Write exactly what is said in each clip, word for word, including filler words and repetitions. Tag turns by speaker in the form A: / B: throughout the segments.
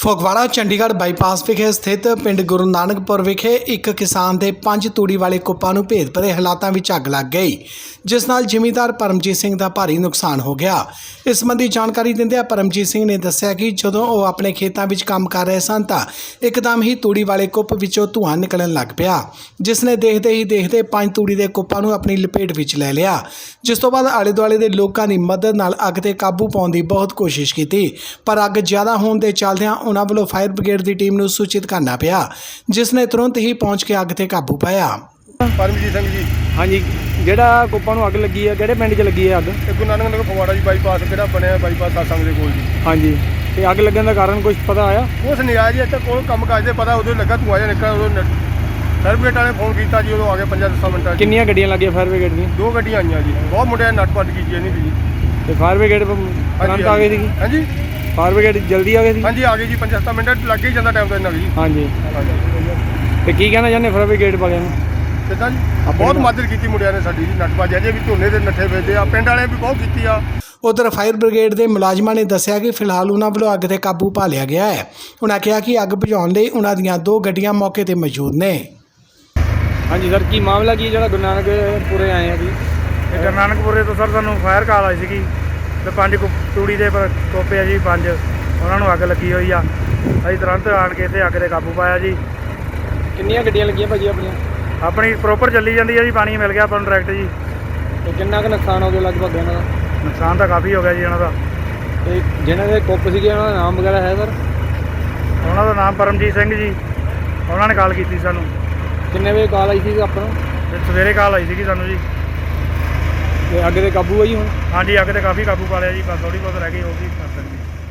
A: Phagwara Chandigarh bypass ਵਿਖੇ ਸਥਿਤ ਪਿੰਡ ਗੁਰੂ ਨਾਨਕਪੁਰ ਵਿਖੇ ਇੱਕ ਕਿਸਾਨ ਦੇ ਪੰਜ ਤੂੜੀ ਵਾਲੇ ਕੁੱਪਾਂ ਨੂੰ ਭੇਦ ਭਰੇ ਹਾਲਾਤਾਂ ਵਿੱਚ ਅੱਗ ਲੱਗ ਗਈ, ਜਿਸ ਨਾਲ ਜ਼ਿਮੀਂਦਾਰ ਪਰਮਜੀਤ ਸਿੰਘ ਦਾ ਭਾਰੀ ਨੁਕਸਾਨ ਹੋ ਗਿਆ। ਇਸ ਸੰਬੰਧੀ ਜਾਣਕਾਰੀ ਦਿੰਦਿਆਂ ਪਰਮਜੀਤ ਸਿੰਘ ਨੇ ਦੱਸਿਆ ਕਿ ਜਦੋਂ ਉਹ ਆਪਣੇ ਖੇਤਾਂ ਵਿੱਚ ਕੰਮ ਕਰ ਰਹੇ ਸਨ ਤਾਂ ਇੱਕਦਮ ਹੀ ਤੂੜੀ ਵਾਲੇ ਕੁੱਪ ਵਿੱਚੋਂ ਧੂੰਆਂ ਨਿਕਲਣ ਲੱਗ ਪਿਆ, ਜਿਸ ਨੇ ਦੇਖਦੇ ਹੀ ਦੇਖਦੇ ਪੰਜ ਤੂੜੀ ਦੇ ਕੁੱਪਾਂ ਨੂੰ ਆਪਣੀ ਲਪੇਟ ਵਿੱਚ ਲੈ ਲਿਆ। ਜਿਸ ਤੋਂ ਬਾਅਦ ਆਲੇ ਦੁਆਲੇ ਦੇ ਲੋਕਾਂ ਦੀ ਮਦਦ ਨਾਲ ਅੱਗ ਤੇ ਕਾਬੂ ਪਾਉਣ ਦੀ ਬਹੁਤ ਕੋਸ਼ਿਸ਼ ਕੀਤੀ, ਪਰ ਅੱਗ ਜ਼ਿਆਦਾ ਹੋਣ ਦੇ ਚੱਲਦਿਆਂ ਉਹਨਾਂ ਵੱਲੋਂ ਫਾਇਰ ਬ੍ਰਿਗੇਡ ਦੀ ਟੀਮ ਨੂੰ ਸੂਚਿਤ ਕਰਨਾ ਪਿਆ, ਜਿਸ ਨੇ ਤੁਰੰਤ ਹੀ ਪਹੁੰਚ ਕੇ ਅੱਗ ਤੇ ਕਾਬੂ ਪਾਇਆ।
B: ਪਰਮਜੀਤ ਸਿੰਘ ਜੀ।
C: ਹਾਂਜੀ, ਜਿਹੜਾ ਕੁੱਪਾਂ ਨੂੰ ਅੱਗ ਲੱਗੀ ਹੈ ਕਿਹੜੇ ਪਿੰਡ 'ਚ ਲੱਗੀ ਹੈ ਅੱਗ?
B: ਇਹ ਗੁਰੂ ਨਾਨਕ ਨਗਰ ਫਗਵਾੜਾ ਜੀ ਬਾਈਪਾਸ ਕਿਹੜਾ ਬਣਿਆ ਬਾਈਪਾਸ ਸਾਸੰਗ ਦੇ ਕੋਲ ਜੀ।
C: ਹਾਂਜੀ, ਤੇ ਅੱਗ ਲੱਗਣ ਦਾ ਕਾਰਨ ਕੁਝ ਪਤਾ ਆਇਆ?
B: ਉਸ ਨਹੀਂ ਆਇਆ ਜੀ, ਇੱਥੇ ਕੋਲ ਕੰਮ ਕਾਜ ਦੇ ਪਤਾ ਉਦੋਂ ਲੱਗਾ ਧੂੰਆਂ ਜਿਹਾ ਨਿਕਲਿਆ। ਉਦੋਂ ਫਾਇਰ ਬ੍ਰਿਗੇਡ ਵਾਲੇ ਫੋਨ ਕੀਤਾ ਜੀ, ਉਦੋਂ ਆ ਗਏ ਪੰਜਾਂ ਦਸਾਂ ਮਿੰਟਾਂ 'ਚ।
C: ਕਿੰਨੀਆਂ ਗੱਡੀਆਂ ਲੱਗੀਆਂ ਫਾਇਰ ਬ੍ਰਿਗੇਡ ਦੀਆਂ?
B: ਦੋ ਗੱਡੀਆਂ ਆਈਆਂ ਜੀ, ਬਹੁਤ ਮੁੰਡਿਆਂ ਨੇ ਨੱਟ ਪੱਟ ਕੀਤੀ ਨਹੀਂ ਜੀ।
C: ਤੇ ਫਾਇਰ ਬ੍ਰਿਗੇਡ ਤੁਰੰਤ ਆ ਗਈ ਸੀਗੀ?
B: ਹਾਂਜੀ,
C: ਫਾਇਰ ਬ੍ਰਿਗੇਡ ਜਲਦੀ ਆ ਗਈ ਸੀ?
B: ਹਾਂਜੀ ਆ ਗਈ ਜੀ, ਪੰਜਾਂ ਦਸਾਂ ਮਿੰਟ ਲੱਗ ਹੀ ਜਾਂਦਾ ਟਾਈਮ ਤਾਂ ਇੰਨਾ ਵੀ ਜੀ।
C: ਹਾਂਜੀ, ਤੇ ਕੀ ਕਹਿਣਾ ਚਾਹੁੰਦੇ ਫਾਇਰ ਬ੍ਰਿਗੇਡ ਵਾਲਿਆਂ ਨੂੰ?
B: ਕਿੱਦਾਂ ਜੀ, ਬਹੁਤ ਮਦਦ ਕੀਤੀ ਮੁੰਡਿਆਂ ਨੇ ਸਾਡੀ ਜੀ। ਨੱਟ ਪੱਟ ਅਜੇ ਵੀ ਝੋਨੇ ਦੇ ਨੱਠੇ ਵੇਚਦੇ ਆ, ਪਿੰਡ ਵਾਲਿਆਂ ਵੀ ਬਹੁਤ ਕੀਤੀ ਆ।
A: ਉਧਰ ਫਾਇਰ ਬ੍ਰਿਗੇਡ ਦੇ ਮੁਲਾਜ਼ਮਾਂ ਨੇ ਦੱਸਿਆ ਕਿ ਫਿਲਹਾਲ ਉਹਨਾਂ ਵੱਲੋਂ ਅੱਗ ਤੇ ਕਾਬੂ ਪਾ ਲਿਆ ਗਿਆ ਹੈ। ਉਹਨਾਂ ਕਿਹਾ ਕਿ ਅੱਗ ਬੁਝਾਉਣ ਲਈ ਉਹਨਾਂ ਦੀਆਂ ਦੋ ਗੱਡੀਆਂ ਮੌਕੇ ਤੇ ਮੌਜੂਦ ਨੇ।
C: ਹਾਂਜੀ ਸਰ, ਕੀ ਮਾਮਲਾ ਕੀ ਜਿਹੜਾ ਗੁਰੂ ਨਾਨਕਪੁਰੇ ਆਏ ਆ ਜੀ?
D: ਇਹ ਗੁਰੂ ਨਾਨਕਪੁਰੇ ਤੋਂ ਸਰ ਸਾਨੂੰ ਫਾਇਰ ਕਾਲ ਆਈ ਸੀਗੀ ਤੇ ਪੰਜ ਕੁ ਤੂੜੀ ਦੇ ਪ- ਟੋਪੇ ਆ ਜੀ, ਪੰਜ ਉਹਨਾਂ ਨੂੰ ਅੱਗ ਲੱਗੀ ਹੋਈ ਆ। ਅਸੀਂ ਤੁਰੰਤ ਆਣ ਕੇ ਇੱਥੇ ਅੱਗ 'ਤੇ ਕਾਬੂ ਪਾਇਆ ਜੀ।
C: ਕਿੰਨੀਆਂ ਗੱਡੀਆਂ ਲੱਗੀਆਂ ਭਾਜੀ ਆਪਣੀਆਂ?
D: ਆਪਣੀ ਪ੍ਰੋਪਰ ਚੱਲੀ ਜਾਂਦੀ ਹੈ ਜੀ, ਪਾਣੀ ਮਿਲ ਗਿਆ ਆਪਾਂ ਨੂੰ ਡਾਇਰੈਕਟ ਜੀ।
C: ਤੇ ਕਿੰਨਾ ਕੁ ਨੁਕਸਾਨ ਹੋ ਗਿਆ ਲਗਭਗ ਇਹਨਾਂ ਦਾ?
D: ਨੁਕਸਾਨ ਤਾਂ ਕਾਫੀ ਹੋ ਗਿਆ ਜੀ ਇਹਨਾਂ ਦਾ।
C: ਤੇ ਜਿਹਨਾਂ ਦੇ ਕੁੱਪ ਸੀਗੇ ਉਹਨਾਂ ਦਾ ਨਾਮ ਵਗੈਰਾ ਹੈ ਸਰ?
D: ਉਹਨਾਂ ਦਾ ਨਾਮ ਪਰਮਜੀਤ ਸਿੰਘ ਜੀ। ਉਹਨਾਂ ਨੇ ਕਾਲ ਕੀਤੀ ਸਾਨੂੰ।
C: ਕਿੰਨੇ ਵਜੇ ਕਾਲ ਆਈ ਸੀ ਆਪਾਂ ਨੂੰ?
D: ਤੇ ਸਵੇਰੇ ਕਾਲ ਆਈ ਸੀਗੀ ਸਾਨੂੰ ਜੀ।
C: ਤੇ ਅੱਗ ਤੇ ਕਾਬੂ ਆਈ ਹੁਣ?
D: ਹਾਂਜੀ, ਅੱਗ 'ਤੇ ਕਾਫੀ ਕਾਬੂ ਪਾ ਲਿਆ ਜੀ, ਬਸ ਥੋੜ੍ਹੀ ਬਹੁਤ ਰਹਿ ਗਈ, ਉਹ ਵੀ ਕਰ ਸਕਦੇ।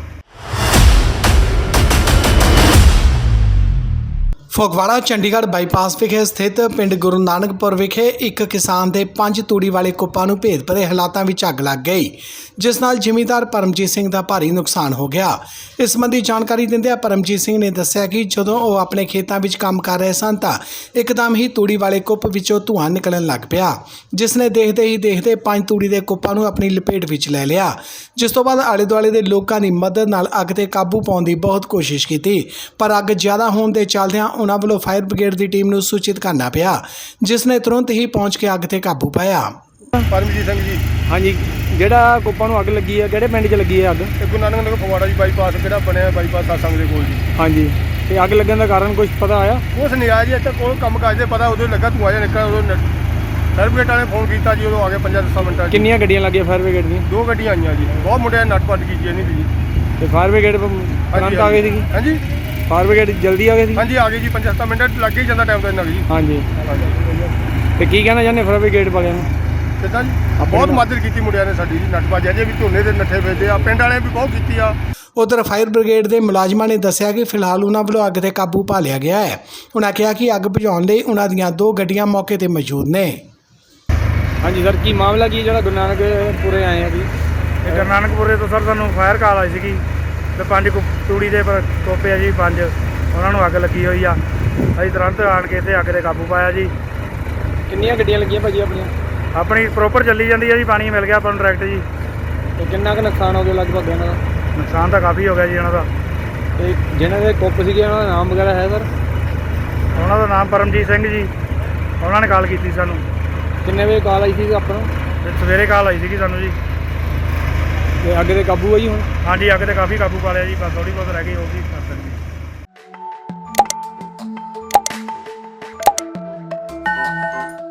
A: ਫਗਵਾੜਾ ਚੰਡੀਗੜ੍ਹ ਬਾਈਪਾਸ ਵਿਖੇ ਸਥਿਤ ਪਿੰਡ ਗੁਰੂ ਨਾਨਕਪੁਰ ਵਿਖੇ ਇੱਕ ਕਿਸਾਨ ਦੇ ਪੰਜ ਤੂੜੀ ਵਾਲੇ ਕੁੱਪਾਂ ਨੂੰ ਭੇਦ ਭਰੇ ਹਾਲਾਤਾਂ ਵਿੱਚ ਅੱਗ ਲੱਗ ਗਈ, ਜਿਸ ਨਾਲ ਜ਼ਿਮੀਂਦਾਰ ਪਰਮਜੀਤ ਸਿੰਘ ਦਾ ਭਾਰੀ ਨੁਕਸਾਨ ਹੋ ਗਿਆ। ਇਸ ਸੰਬੰਧੀ ਜਾਣਕਾਰੀ ਦਿੰਦਿਆਂ ਪਰਮਜੀਤ ਸਿੰਘ ਨੇ ਦੱਸਿਆ ਕਿ ਜਦੋਂ ਉਹ ਆਪਣੇ ਖੇਤਾਂ ਵਿੱਚ ਕੰਮ ਕਰ ਰਹੇ ਸਨ ਤਾਂ ਇੱਕਦਮ ਹੀ ਤੂੜੀ ਵਾਲੇ ਕੁੱਪ ਵਿੱਚੋਂ ਧੂੰਆਂ ਨਿਕਲਣ ਲੱਗ ਪਿਆ, ਜਿਸ ਨੇ ਦੇਖਦੇ ਹੀ ਦੇਖਦੇ ਪੰਜ ਤੂੜੀ ਦੇ ਕੁੱਪਾਂ ਨੂੰ ਆਪਣੀ ਲਪੇਟ ਵਿੱਚ ਲੈ ਲਿਆ। ਜਿਸ ਤੋਂ ਬਾਅਦ ਆਲੇ ਦੁਆਲੇ ਦੇ ਲੋਕਾਂ ਦੀ ਮਦਦ ਨਾਲ ਅੱਗ ਤੇ ਕਾਬੂ ਪਾਉਣ ਦੀ ਬਹੁਤ ਕੋਸ਼ਿਸ਼ ਕੀਤੀ, ਪਰ ਅੱਗ ਜ਼ਿਆਦਾ ਹੋਣ ਦੇ ਚੱਲਦਿਆਂ ਉਹਨਾਂ ਵੱਲੋਂ ਫਾਇਰ ਬ੍ਰਿਗੇਡ ਦੀ ਟੀਮ ਨੂੰ ਸੂਚਿਤ ਕਰਨਾ ਪਿਆ, ਜਿਸ ਨੇ ਤੁਰੰਤ ਹੀ ਪਹੁੰਚ ਕੇ ਅੱਗ ਤੇ ਕਾਬੂ ਪਾਇਆ।
B: ਪਰਮਜੀਤ ਸਿੰਘ ਜੀ।
C: ਹਾਂਜੀ, ਜਿਹੜਾ ਕੁੱਪਾਂ ਨੂੰ ਅੱਗ ਲੱਗੀ ਹੈ ਕਿਹੜੇ ਪਿੰਡ 'ਚ ਲੱਗੀ ਹੈ ਅੱਗ?
B: ਇਹ ਗੁਰੂ ਨਾਨਕ ਨਗਰ ਫਗਵਾੜਾ ਜੀ ਬਾਈਪਾਸ ਕਿਹੜਾ ਬਣਿਆ ਬਾਈਪਾਸ ਸਾਸੰਗ ਦੇ ਕੋਲ ਜੀ।
C: ਹਾਂਜੀ, ਤੇ ਅੱਗ ਲੱਗਣ ਦਾ ਕਾਰਨ ਕੁਝ ਪਤਾ ਆਇਆ?
B: ਉਸ ਨਹੀਂ ਆਇਆ ਜੀ, ਇੱਥੇ ਕੋਲ ਕੰਮ ਕਾਜ ਦੇ ਪਤਾ ਉਦੋਂ ਲੱਗਾ ਧੂੰਆਂ ਜਿਹਾ ਨਿਕਲਿਆ। ਉਦੋਂ ਫਾਇਰ ਬ੍ਰਿਗੇਡ ਵਾਲੇ ਫੋਨ ਕੀਤਾ ਜੀ, ਉਦੋਂ ਆ ਗਏ ਪੰਜਾਂ ਦਸਾਂ ਮਿੰਟਾਂ 'ਚ।
C: ਕਿੰਨੀਆਂ ਗੱਡੀਆਂ ਲੱਗੀਆਂ ਫਾਇਰ ਬ੍ਰਿਗੇਡ ਦੀਆਂ?
B: ਦੋ ਗੱਡੀਆਂ ਆਈਆਂ ਜੀ, ਬਹੁਤ ਮੁੰਡਿਆਂ ਨੇ ਨੱਟ ਪੱਟ ਕੀਤੀ ਨਹੀਂ ਜੀ।
C: ਤੇ ਫਾਇਰ ਬ੍ਰਿਗੇਡ ਤੁਰੰਤ ਆ ਗਈ ਸੀਗੀ?
B: ਹਾਂਜੀ,
C: ਫਾਇਰ ਬ੍ਰਿਗੇਡ ਜਲਦੀ ਆ ਗਈ ਸੀ?
B: ਹਾਂਜੀ ਆ ਗਈ ਜੀ, ਪੰਜਾਂ ਦਸਾਂ ਮਿੰਟ ਲੱਗ ਹੀ ਜਾਂਦਾ ਟਾਈਮ ਤਾਂ ਇੰਨਾ ਵੀ ਜੀ।
C: ਹਾਂਜੀ, ਤੇ ਕੀ ਕਹਿਣਾ ਚਾਹੁੰਦੇ ਫਾਇਰ ਬ੍ਰਿਗੇਡ ਵਾਲਿਆਂ ਨੂੰ?
B: ਕਿੱਦਾਂ ਜੀ, ਬਹੁਤ ਮਦਦ ਕੀਤੀ ਮੁੰਡਿਆਂ ਨੇ ਸਾਡੀ ਜੀ। ਨੱਟ ਪੱਟ ਅਜੇ ਵੀ ਝੋਨੇ ਦੇ ਨੱਠੇ ਵੇਚਦੇ ਆ, ਪਿੰਡ ਵਾਲਿਆਂ ਵੀ ਬਹੁਤ ਕੀਤੀ ਆ।
A: ਉਧਰ ਫਾਇਰ ਬ੍ਰਿਗੇਡ ਦੇ ਮੁਲਾਜ਼ਮਾਂ ਨੇ ਦੱਸਿਆ ਕਿ ਫਿਲਹਾਲ ਉਹਨਾਂ ਵੱਲੋਂ ਅੱਗ ਤੇ ਕਾਬੂ ਪਾ ਲਿਆ ਗਿਆ ਹੈ। ਉਹਨਾਂ ਕਿਹਾ ਕਿ ਅੱਗ ਬੁਝਾਉਣ ਲਈ ਉਹਨਾਂ ਦੀਆਂ ਦੋ ਗੱਡੀਆਂ ਮੌਕੇ ਤੇ ਮੌਜੂਦ ਨੇ।
C: ਹਾਂਜੀ ਸਰ, ਕੀ ਮਾਮਲਾ ਕੀ ਜਿਹੜਾ ਗੁਰੂ ਨਾਨਕਪੁਰੇ ਆਏ ਆ ਜੀ?
D: ਇਹ ਗੁਰੂ ਨਾਨਕਪੁਰੇ ਤੋਂ ਸਰ ਸਾਨੂੰ ਫਾਇਰ ਕਾਲ ਆਈ ਸੀਗੀ ਤੇ ਪੰਜ ਕੁ ਤੂੜੀ ਦੇ ਪ- ਟੋਪੇ ਆ ਜੀ, ਪੰਜ ਉਹਨਾਂ ਨੂੰ ਅੱਗ ਲੱਗੀ ਹੋਈ ਆ। ਅਸੀਂ ਤੁਰੰਤ ਆਣ ਕੇ ਇੱਥੇ ਅੱਗ 'ਤੇ ਕਾਬੂ ਪਾਇਆ ਜੀ।
C: ਕਿੰਨੀਆਂ ਗੱਡੀਆਂ ਲੱਗੀਆਂ ਭਾਜੀ ਆਪਣੀਆਂ?
D: ਆਪਣੀ ਪ੍ਰੋਪਰ ਚੱਲੀ ਜਾਂਦੀ ਹੈ ਜੀ, ਪਾਣੀ ਮਿਲ ਗਿਆ ਆਪਾਂ ਨੂੰ ਡਾਇਰੈਕਟ ਜੀ।
C: ਤੇ ਕਿੰਨਾ ਕੁ ਨੁਕਸਾਨ ਹੋ ਗਿਆ ਲਗਭਗ ਇਹਨਾਂ ਦਾ?
D: ਨੁਕਸਾਨ ਤਾਂ ਕਾਫੀ ਹੋ ਗਿਆ ਜੀ ਇਹਨਾਂ ਦਾ।
C: ਤੇ ਜਿਹਨਾਂ ਦੇ ਕੁੱਪ ਸੀਗੇ ਉਹਨਾਂ ਦਾ ਨਾਮ ਵਗੈਰਾ ਹੈ ਸਰ?
D: ਉਹਨਾਂ ਦਾ ਨਾਮ ਪਰਮਜੀਤ ਸਿੰਘ ਜੀ। ਉਹਨਾਂ ਨੇ ਕਾਲ ਕੀਤੀ ਸਾਨੂੰ।
C: ਕਿੰਨੇ ਵਜੇ ਕਾਲ ਆਈ ਸੀ ਆਪਾਂ ਨੂੰ?
D: ਤੇ ਸਵੇਰੇ ਕਾਲ ਆਈ ਸੀਗੀ ਸਾਨੂੰ ਜੀ।
C: ਤੇ ਅੱਗ ਤੇ ਕਾਬੂ ਆਈ ਹੁਣ?
D: ਹਾਂਜੀ, ਅੱਗ 'ਤੇ ਕਾਫੀ ਕਾਬੂ ਪਾ ਲਿਆ ਜੀ, ਬਸ ਥੋੜ੍ਹੀ ਬਹੁਤ ਰਹਿ ਗਈ, ਉਹ ਵੀ ਕਰ ਸਕਦੇ।